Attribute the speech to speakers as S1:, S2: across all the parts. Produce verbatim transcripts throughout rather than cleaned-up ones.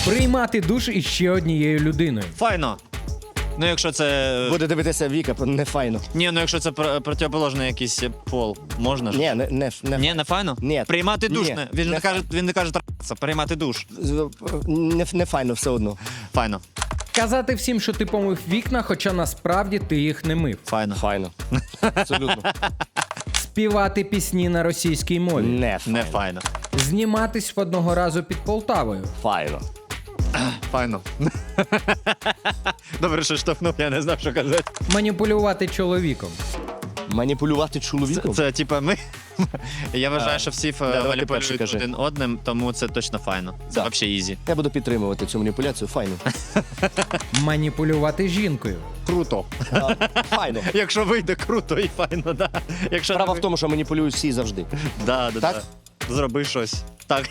S1: Приймати душ із ще однією людиною.
S2: Файно. Ну, якщо це...
S3: Буде дивитися Віка, не файно.
S2: Ні, ну якщо це пр- протиположний якийсь пол, можна ж?
S3: Ні, не, не, не,
S2: Ні, не файно?
S3: Ні.
S2: Приймати душ
S3: Ні,
S2: не. Він
S3: не
S2: не каже, він не каже трахатися, приймати душ.
S3: не, не файно все одно.
S2: Файно.
S1: Казати всім, що ти помив вікна, хоча насправді ти їх не мив.
S2: Файно.
S3: Файно. Абсолютно.
S1: Співати пісні на російській мові.
S3: Не файно.
S2: Не файно.
S1: Зніматись в одного разу під Полтавою.
S3: Файно.
S2: Файно. Добре, що штовхнув, я не знав, що казати.
S1: Маніпулювати чоловіком.
S3: Маніпулювати чоловіком?
S2: Це, це типа ми. Я вважаю, що всі
S3: давай ти
S2: маніпулюють
S3: перший кажи.
S2: один одним, тому це точно файно. Це
S3: Да.
S2: взагалі ізі.
S3: Я буду підтримувати цю маніпуляцію. Файно.
S1: Маніпулювати жінкою.
S2: Круто.
S3: Файно.
S2: Якщо вийде круто і файно, да. Якщо
S3: Справа
S2: не
S3: в тому, що маніпулюють всі завжди.
S2: Да, да,
S3: Так?
S2: да. Зроби щось. Так.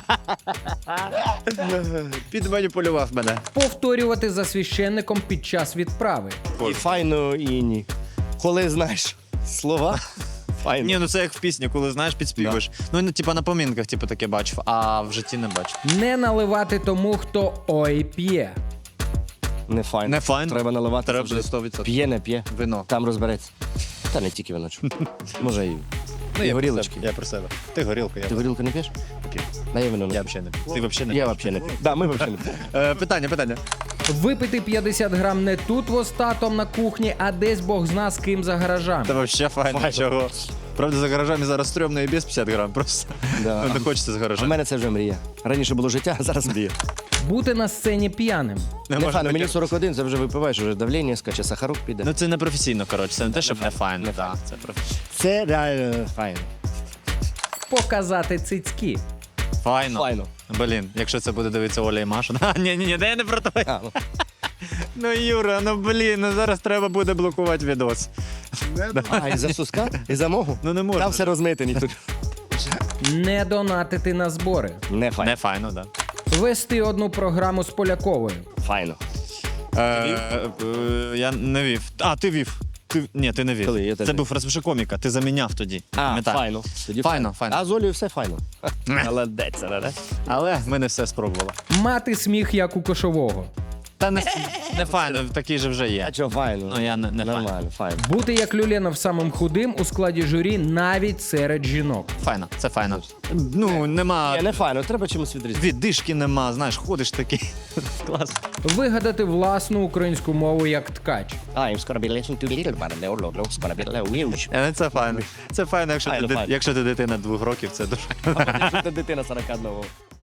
S2: Підманіпулював мене.
S1: Повторювати за священником під час відправи.
S3: І файно, і ні. Коли знаєш слова, файно.
S2: Ні, ну це як в пісні, коли знаєш, підспівуєш. Ну, ну, типа на помінках, типу, таке бачив, а в житті не бачив.
S1: Не наливати тому, хто ой п'є.
S3: Не файно.
S2: Не файно.
S3: Треба наливати.
S2: Треба
S3: завжди.
S2: сто відсотків.
S3: П'є, не п'є.
S2: Вино.
S3: Там розбереться. Та не тільки вино. чу. Може і.
S2: Ну,
S3: і
S2: я
S3: горілочки.
S2: про себе. Я про себе. Ти горілка, я
S3: Ти горілку не п'єш?
S2: п'ю.
S3: На я вино не
S2: Я
S3: п'ю.
S2: взагалі не п'ю. Ти взагалі не
S3: Я
S2: п'єш?
S3: взагалі не п'ю. Да, ми взагалі не п'ємо.
S2: Е, Питання, питання.
S1: Випити п'ятдесят грам не тут востатом на кухні, а десь бог зна з ким за гаражами.
S2: Та взагалі файно.
S3: Файно.
S2: Чого? Правда, за гаражами зараз стрьомно і без п'ятдесят грам просто.
S3: Да.
S2: Ну, не хочеться з
S3: У
S2: гаража.
S3: мене це вже мрія. Раніше було життя, а зараз мрія.
S1: Бути на сцені п'яним.
S2: Не
S3: Не
S2: можна
S3: файно, мені
S2: таке.
S3: сорок один, це вже випиваєш, вже давлення скаче, сахарок піде.
S2: Ну це не професійно, коротше. Це не те, щоб не файно.
S3: Не
S2: Да, це професійно.
S3: Це реально файно.
S1: Показати цицьки.
S2: Файно.
S3: Файно.
S2: Блін, якщо це буде дивитися Оля і Маша. А, ні, ні, ні, де я не про те.
S3: А, ну.
S2: Ну, Юра, ну блін, ну зараз треба буде блокувати відос.
S3: А, і за суска? І за могу?
S2: Ну не можна.
S3: Там все розмите, ніхто.
S1: Не донатити на збори.
S3: Не файно.
S2: Не файно, так.
S1: Вести одну програму з Поляковою.
S3: Файно.
S2: Да. Е, е, я не вів. А, ти вів. Ти... Ні, ти не вів.
S3: Коли? Я теж
S2: Це
S3: вів.
S2: був розпиши коміка, ти заміняв тоді.
S3: А,
S2: Пам'ятаю.
S3: файно. Тоді
S2: Файно, файно.
S3: А з Олею все файно. Молодець, не?
S2: Але ми не все спробували.
S1: Мати сміх, як у кошового.
S2: Та не, не файно, такий же вже
S3: А
S2: є.
S3: чого файно?
S2: Ну, я не- не файно.
S3: Нормально, файно.
S1: Бути як Люленов самим худим у складі журі навіть серед жінок.
S2: Файно, це файно. Ну, нема.
S3: Ні, не файно, треба чимось відрізати.
S2: Віддишки нема, знаєш, ходиш такий. Клас.
S1: Вигадати власну українську мову як ткач.
S3: I'm gonna be listening to the little man, and the Lord's gonna be huge.
S2: Е, Це файно. Це файно, якщо,
S3: Файно,
S2: ти,
S3: файно.
S2: якщо ти дитина двох років, це дуже.
S3: Ти дитина сорок одного.